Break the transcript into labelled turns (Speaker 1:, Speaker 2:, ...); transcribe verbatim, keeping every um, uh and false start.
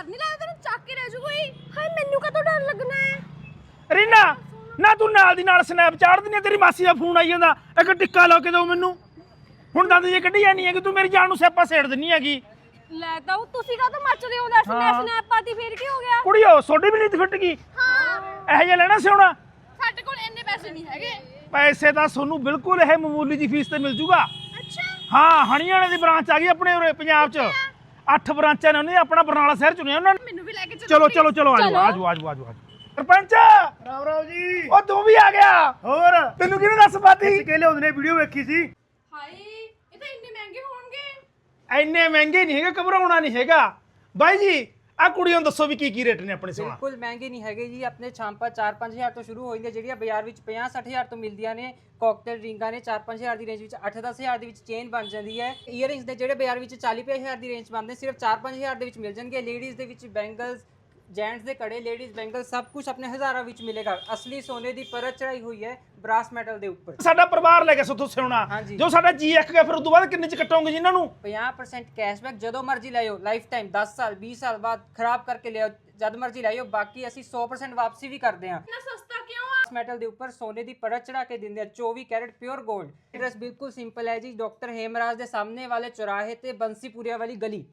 Speaker 1: ਨਹੀਂ ਲੱਗਦਾ ਤੈਨੂੰ ਚੱਕ ਕੇ ਲੈ ਜੂ ਕੋਈ। ਹਾਏ ਮੈਨੂੰ ਕਦੋਂ ਡਰ ਲੱਗਣਾ ਹੈ।
Speaker 2: ਰੀਨਾ ਨਾ ਤੂੰ ਨਾਲ ਦੀ ਨਾਲ ਸਨੈਪ ਚਾੜ ਦਿੰਦੀ, ਤੇਰੀ ਮਾਸੀ ਦਾ ਫੋਨ ਆਈ ਜਾਂਦਾ, ਇੱਕ ਟਿੱਕਾ ਲਾ ਕੇ ਦਿਓ ਮੈਨੂੰ। ਹੁਣ ਦੰਦ ਜੇ ਕੱਢੀ ਜਾਨੀ ਹੈ ਕਿ ਤੂੰ ਮੇਰੀ ਜਾਨ ਨੂੰ ਸਿਆਪਾ ਸੇੜ ਦਿੰਨੀ ਹੈਗੀ।
Speaker 1: ਲੈ ਤਾਂ ਤੁਸੀਂ ਕਾਹਤੋਂ ਮੱਚਦੇ ਹੋ? ਦੱਸ ਮੈਂ ਸਨੈਪ ਪਾਤੀ ਫੇਰ ਕੀ ਹੋ ਗਿਆ?
Speaker 2: ਕੁੜੀਓ ਸੋਡੀ ਵੀ ਨਹੀਂ ਫਿੱਟ ਗਈ।
Speaker 1: ਹਾਂ
Speaker 2: ਇਹੋ ਜਿਹਾ ਲੈਣਾ ਸੀ ਹੁਣ।
Speaker 1: ਸਾਡੇ ਕੋਲ ਇੰਨੇ ਪੈਸੇ ਨਹੀਂ ਹੈਗੇ।
Speaker 2: ਪੈਸੇ ਤਾਂ ਤੁਹਾਨੂੰ ਬਿਲਕੁਲ ਇਹ ਮਾਮੂਲੀ ਜੀ ਫੀਸ ਤੇ ਮਿਲ ਜੂਗਾ।
Speaker 1: ਅੱਛਾ
Speaker 2: ਹਾਂ ਹਣੀਆਣੇ ਦੀ ਬ੍ਰਾਂਚ ਆ ਗਈ ਆਪਣੇ ਉਰੇ ਪੰਜਾਬ 'ਚ। ਅੱਠ ਬ੍ਰਾਂਚਾਂ ਨੇ, ਉਹਨੇ ਆਪਣਾ ਬਰਨਾਲਾ ਸ਼ਹਿਰ ਚੁਣਿਆ ਉਹਨਾਂ ਨੇ।
Speaker 1: ਮੈਨੂੰ ਵੀ ਲੈ ਕੇ
Speaker 2: ਚਲੋ ਚਲੋ ਚਲੋ ਆਜੋ ਆਜੋ ਆਜੋ ਆਜੋ ਸਰਪੰਚ
Speaker 3: ਰਾਮ ਰਾਮ ਜੀ।
Speaker 2: ਉਹ ਤੂੰ ਵੀ ਆ ਗਿਆ।
Speaker 3: ਹੋਰ
Speaker 2: ਤੈਨੂੰ ਕਿਹਨੇ ਦੱਸ ਪਾਤੀ?
Speaker 3: ਕੇ ਲਿਆਉਂਦੇ ਨੇ, ਵੀਡੀਓ ਵੇਖੀ ਸੀ।
Speaker 1: ਹਾਏ ਇਹ ਤਾਂ ਇੰਨੇ ਮਹਿੰਗੇ ਹੋਣਗੇ।
Speaker 2: ਇੰਨੇ ਮਹਿੰਗੇ ਨਹੀਂ ਹੈਗੇ, ਘਬਰਾਉਣਾ ਨਹੀਂ ਹੈਗਾ ਬਾਈ ਜੀ। ਆ ਕੁੜੀਆਂ ਨੂੰ ਦੱਸੋ ਵੀ ਕੀ ਕੀ ਰੇਟ ਨੇ ਆਪਣੇ ਸੋਨਾ?
Speaker 4: ਬਿਲਕੁਲ ਮਹਿੰਗੇ ਨਹੀਂ ਹੈਗੇ ਜੀ। ਆਪਣੇ ਛਾਂਪਾ ਚਾਰ ਪੰਜ ਹਜ਼ਾਰ ਤੋਂ ਸ਼ੁਰੂ ਹੋ ਜਾਂਦੇ, ਜਿਹੜੀਆਂ ਬਾਜ਼ਾਰ ਵਿੱਚ ਪੰਜਾਹ ਸੱਠ ਹਜ਼ਾਰ ਤੋਂ ਮਿਲਦੀਆਂ ਨੇ। ਕਾਕਟੇਲ ਰਿੰਗਾਂ ਨੇ ਚਾਰ ਪੰਜ ਹਜ਼ਾਰ ਦੀ ਰੇਂਜ ਵਿੱਚ, ਅੱਠ ਦਸ ਹਜ਼ਾਰ ਦੇ ਵਿੱਚ ਚੇਨ ਬਣ ਜਾਂਦੀ ਹੈ। ਈਅਰਿੰਗਸ ਦੇ ਜਿਹੜੇ ਬਾਜ਼ਾਰ ਵਿੱਚ ਚਾਲੀ ਪੰਜਾਹ ਹਜ਼ਾਰ ਦੀ ਰੇਂਜ ਬਣਦੇ, ਸਿਰਫ ਚਾਰ ਪੰਜ ਹਜ਼ਾਰ ਦੇ ਵਿੱਚ ਮਿਲ ਜਾਣਗੇ। ਲੇਡੀਜ਼ ਦੇ ਵਿੱਚ ਬੈਂਗਲਸ, ਜੈਂਟਸ ਦੇ ਕੜੇ, ਲੇਡੀਜ਼ ਬੈਂਗਲ, ਸਭ ਕੁਝ ਆਪਣੇ ਹਜ਼ਾਰਾਂ ਵਿੱਚ ਮਿਲੇਗਾ। ਅਸਲੀ ਸੋਨੇ ਦੀ ਪਰਤ ਚੜਾਈ ਹੋਈ ਹੈ ਬ੍ਰਾਸ ਮੈਟਲ ਦੇ ਉੱਪਰ।
Speaker 2: ਸਾਡਾ ਪਰਿਵਾਰ ਲੈ ਕੇ ਸੁੱਥੋਂ ਸੋਨਾ,
Speaker 4: ਹਾਂਜੀ।
Speaker 2: ਜੋ ਸਾਡਾ ਜੀ ਇੱਕ ਗਿਆ ਫਿਰ ਉਦੋਂ ਬਾਅਦ ਕਿੰਨੇ ਚ ਕੱਟੋਗੇ ਜੀ ਇਹਨਾਂ ਨੂੰ?
Speaker 4: ਪੰਜਾਹ ਪਰਸੈਂਟ ਕੈਸ਼ਬੈਕ ਜਦੋਂ ਮਰਜ਼ੀ ਲਿਆਓ, ਲਾਈਫ ਟਾਈਮ ਦਸ ਸਾਲ ਵੀਹ ਸਾਲ ਬਾਅਦ ਖਰਾਬ ਕਰਕੇ ਲਿਆਓ, ਜਦ ਮਰਜ਼ੀ ਲਿਆਓ। ਬਾਕੀ ਅਸੀਂ ਸੌ ਪਰਸੈਂਟ ਵਾਪਸੀ ਵੀ ਕਰਦੇ ਹਾਂ।
Speaker 1: ਇੰਨਾ ਸਸਤਾ ਕਿਉਂ ਆ?
Speaker 4: ਮੈਟਲ ਦੇ ਉੱਪਰ ਸੋਨੇ ਦੀ ਪਰਤ ਚੜਾ ਕੇ ਦਿੰਦੇ ਆ, ਚੌਵੀ ਕੈਰਟ ਪਿਓਰ 골ਡ। ਐਡਰੈਸ ਬਿਲਕੁਲ ਸਿੰਪਲ ਹੈ ਜੀ, ਡਾਕਟਰ ਹੇਮਰਾਜ ਦੇ ਸਾਹਮਣੇ ਵਾਲੇ ਚੌਰਾਹੇ ਤੇ ਬੰਸੀਪੁਰੀਆ ਵਾਲੀ ਗਲੀ।